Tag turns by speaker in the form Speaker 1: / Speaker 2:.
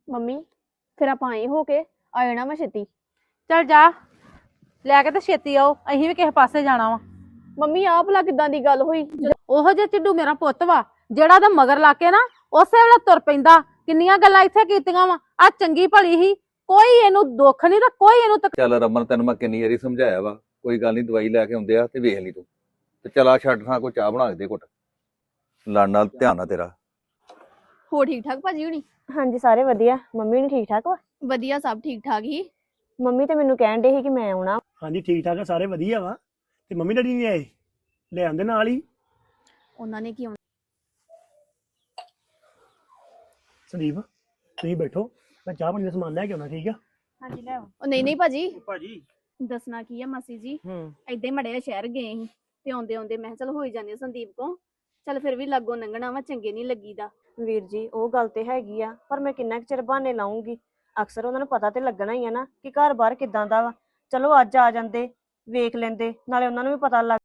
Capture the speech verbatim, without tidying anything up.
Speaker 1: Mummy ਫਿਰ ਆਪਾਂ ਆਏ ਹੋ ਕੇ ਆ ਜਾਣਾ ਵਾ ਛੇਤੀ।
Speaker 2: ਚੱਲ ਜਾ ਲੈ ਕੇ ਤੇ ਛੇਤੀ ਆਓ, ਅਸੀਂ ਵੀ ਕਿਸੇ ਪਾਸੇ ਜਾਣਾ ਵਾ।
Speaker 1: ਮੰਮੀ ਆਹ ਭਲਾ ਕਿਦਾਂ ਦੀ ਗੱਲ ਹੋਈ?
Speaker 2: ਉਹੋ ਜਿਹਾ ਚਿੱਡੂ ਮੇਰਾ ਪੁੱਤ ਵਾ ਜਿਹੜਾ ਦਾ ਮਗਰ ਲਾ ਕੇ ਨਾ ਉਸੇ ਵੇਲੇ ਤੁਰ ਪੈਂਦਾ। ਕਿੰਨੀਆਂ ਗੱਲਾਂ ਇੱਥੇ ਕੀਤੀਆਂ ਵਾ, ਆ ਚੰਗੀ ਭਲੀ ਹੀ, ਕੋਈ ਇਹਨੂੰ ਦੁੱਖ ਨਹੀਂ ਤੇ ਕੋਈ ਇਹਨੂੰ ਤਕ...
Speaker 3: ਚੱਲ ਰਮਨ, ਤੈਨੂੰ ਮੈਂ ਕਿੰਨੀ ਵਾਰੀ ਸਮਝਾਇਆ ਵਾ, ਕੋਈ ਗੱਲ ਨਹੀਂ, ਦਵਾਈ ਲੈ ਕੇ ਆਉਂਦੇ ਆ ਤੇ ਵੇਖ ਲਈ ਤੂੰ। ਤੇ ਚਲਾ ਛੱਡ ਥਾਂ, ਕੋਈ ਚਾਹ ਬਣਾ ਕੇ ਦੇ ਘੁੱਟ। ਲੜ ਨਾਲ ਧਿਆਨ ਆ ਤੇਰਾ।
Speaker 1: ਹੋ ਠੀਕ ਠਾਕ ਭਾਜੀ ਹੁਣੀ?
Speaker 4: ਹਾਂਜੀ ਸਾਰੇ ਵਧੀਆ। ਮੰਮੀ ਨੂੰ ਠੀਕ ਠਾਕ ਵਾ?
Speaker 1: ਵਧੀਆ, ਸਭ ਠੀਕ ਠਾਕ ਹੀ।
Speaker 4: ਮੰਮੀ ਤੇ ਮੈਨੂੰ ਕਹਿਣ ਦੇ ਸੀ ਕਿ ਮੈਂ ਆਉਣਾ।
Speaker 5: ਹਾਂਜੀ ਠੀਕ ਠਾਕ ਆ, ਸਾਰੇ ਵਧੀਆ ਵਾ। ਤੇ ਮੰਮੀ ਡੈਡੀ ਨਹੀਂ ਆਏ? ਲੈ ਆਉਂਦੇ ਨਾਲ ਹੀ।
Speaker 1: ਉਹਨਾਂ ਨੇ ਕੀ
Speaker 5: ਸੰਦੀਪ ਤੁਸੀਂ ਬੈਠੋ, ਮੈਂ ਚਾਹ ਪਾਣੀ ਦਾ ਸਮਾਨ ਲੈ ਕੇ ਆਉਣਾ, ਠੀਕ ਆ?
Speaker 4: ਹਾਂਜੀ ਲੈ ਆਓ।
Speaker 1: ਉਹ ਨਹੀਂ ਨਹੀਂ ਭਾਜੀ,
Speaker 5: ਭਾਜੀ
Speaker 1: ਦੱਸਣਾ ਕੀ ਆ ਮਾਸੀ ਜੀ,
Speaker 5: ਹੂੰ
Speaker 1: ਏਦਾਂ ਹੀ ਮੜੇ ਸ਼ਹਿਰ ਗਏ ਸੀ ਤੇ ਆਉਂਦੇ ਆਉਂਦੇ ਮੈਂ ਕਿਹਾ ਚਲ ਹੋਈ ਜਾਂਦੇ ਸੰਦੀਪ ਕੋ, ਚੱਲ ਫਿਰ ਵੀ ਲਾਗੋ ਲੰਘਣਾ ਵਾ, ਚੰਗੇ ਨਹੀਂ ਲੱਗੀਦਾ।
Speaker 4: ਵੀਰ ਜੀ ਉਹ ਗੱਲ ਤੇ ਹੈਗੀ ਆ, ਪਰ ਮੈਂ ਕਿੰਨਾ ਕੁ ਚਿਰ ਬਹਾਨੇ ਲਾਉਂਗੀ? ਅਕਸਰ ਉਹਨਾਂ ਨੂੰ ਪਤਾ ਤੇ ਲੱਗਣਾ ਹੀ ਆ ਨਾ ਕਿ ਘਰ ਬਾਹਰ ਕਿਦਾਂ ਦਾ ਵਾ। ਚਲੋ ਅੱਜ ਆ ਜਾਂਦੇ, ਵੇਖ ਲੈਂਦੇ, ਨਾਲੇ ਉਹਨਾਂ ਨੂੰ ਵੀ ਪਤਾ ਲੱਗ